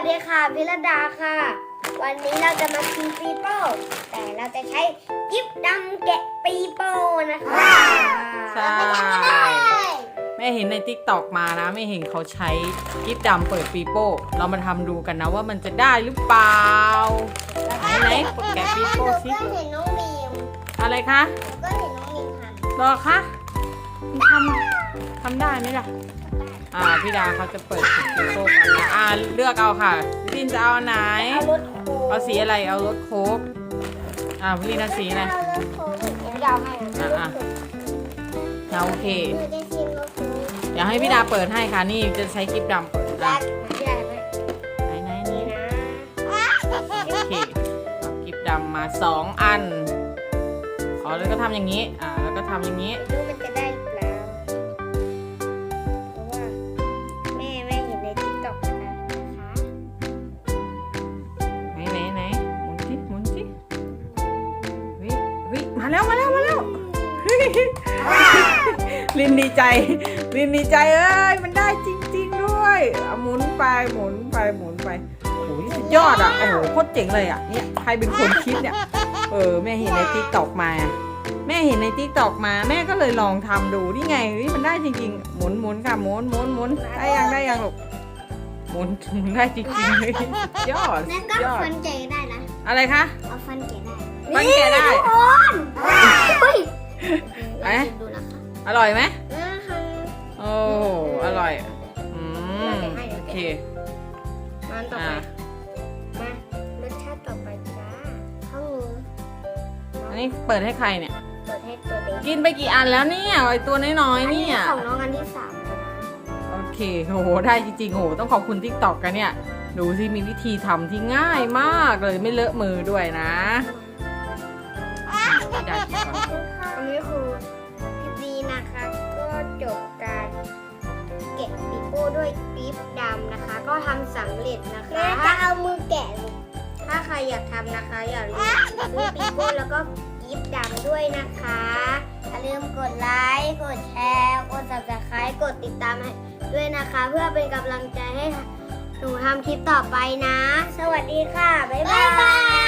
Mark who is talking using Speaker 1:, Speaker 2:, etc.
Speaker 1: ดีค่ะพิรดาค่ะวันนี้เราจะมากินปีโป้แต่เราจะใช้กิ๊บดำแกะปีโป้นะคะ
Speaker 2: ใช่แม่เห็นในติ๊กตอกมานะไม่เห็นเขาใช้กิ๊บดำเปิดปีโป้เรามาทำดูกันนะว่ามันจะได้หรือเปล่าไหนแกะปีโป้สิ
Speaker 1: ก็เห็นน้องมีม
Speaker 2: อะไรคะ
Speaker 1: ก็เห็นน้องมีมท
Speaker 2: รอคะทำได้ไหมล่ะพี่ดาเขาจะเปิดปีโป้กันนะเลือกเอาค่ะพี่ลินจะเอาอันไหน
Speaker 1: ำเอารถโค้ง
Speaker 2: เอาสีอะไรเอารถโค้กพี่ลินเอาสีอะไร
Speaker 1: เอารถโค้งเดี๋ยวเราให้นะ
Speaker 2: โอเค
Speaker 1: หนูจะชิมรถโค้ง
Speaker 2: เดี๋ยวให้พี่ดาเปิดให้ค่ะนี่จะใช้กิ๊บดำเปิด
Speaker 1: ยั
Speaker 2: นะ
Speaker 1: ดมาใหญ่ไหม
Speaker 2: ไหน
Speaker 1: นี่
Speaker 2: นี่
Speaker 1: นะ
Speaker 2: โอเคเอากิ๊บดำมา2 อันแล้วก็ทำอย่างนี้แล้วก็ทำอย่างนี้
Speaker 1: ไม่รู้มันจะได้หรือเปล่าเพราะว่าแม่เห็นในติ๊กต็อกนะคะ
Speaker 2: ไหนหมุนสิเฮ้ยมาแล้วเฮ้ยลินดีใจเอ้ยมันได้จริงๆด้วยหมุนไปโอ้ยสุดยอดโอ้โหโคตรเจ๋งเลยเนี่ยใครเป็นคนคิดเนี่ยแม่เห็นในติ๊กต็อกมาแม่ก็เลยลองทำดูนี่ไงเฮ้ยมันได้จริงๆหมุนค่ะหมุนได้ยังลูกหมุนได้จริงๆเลยยอด
Speaker 1: แล้วก็
Speaker 2: ยอด
Speaker 1: ฟันแกะได้นะ
Speaker 2: อะไรคะ
Speaker 1: เอาฟันแกะได้
Speaker 2: ฟันแกะได้
Speaker 1: ทุกคนเฮ้ย
Speaker 2: เอ๊ะ
Speaker 1: ดูนะคะ
Speaker 2: อร่อยไหม
Speaker 1: นะคะ
Speaker 2: โอ้อร่อยโอเค
Speaker 1: มันต่อไปมารสชาติต่อไปจ้าข้าวหมู
Speaker 2: อันนี้เปิดให้ใครเนี่ย
Speaker 1: เปิดให้ตัวเด็ก
Speaker 2: กินไปกี่อันแล้วเนี่ยไอตัวน้อยๆเนี่ย
Speaker 1: ของน้องอันที่3แล้วนะ
Speaker 2: โอเคโหได้จริงๆโหต้องขอบคุณ TikTok กันเนี่ยดูสิมีวิธีทำที่ง่ายมากเลยไม่เลอะมือด้วยนะอยากกินก่อน
Speaker 1: อันนี้คือคลิปนี้นะคะ ก็จบการแกะปีโป้ด้วยปี๊บดำนะคะ ก็ทำสำเร็จนะคะจะเอามือแกะถ้าใครอยากทำนะคะ อย่าลืมซื้อปีโป้แล้วก็ปี๊บดำด้วยนะคะอย่าลืมกดไลค์กดแชร์กด Subscribe กดติดตามให้ด้วยนะคะ เพื่อเป็นกำลังใจให้หนูทำคลิปต่อไปนะ สวัสดีค่ะบ๊ายบาย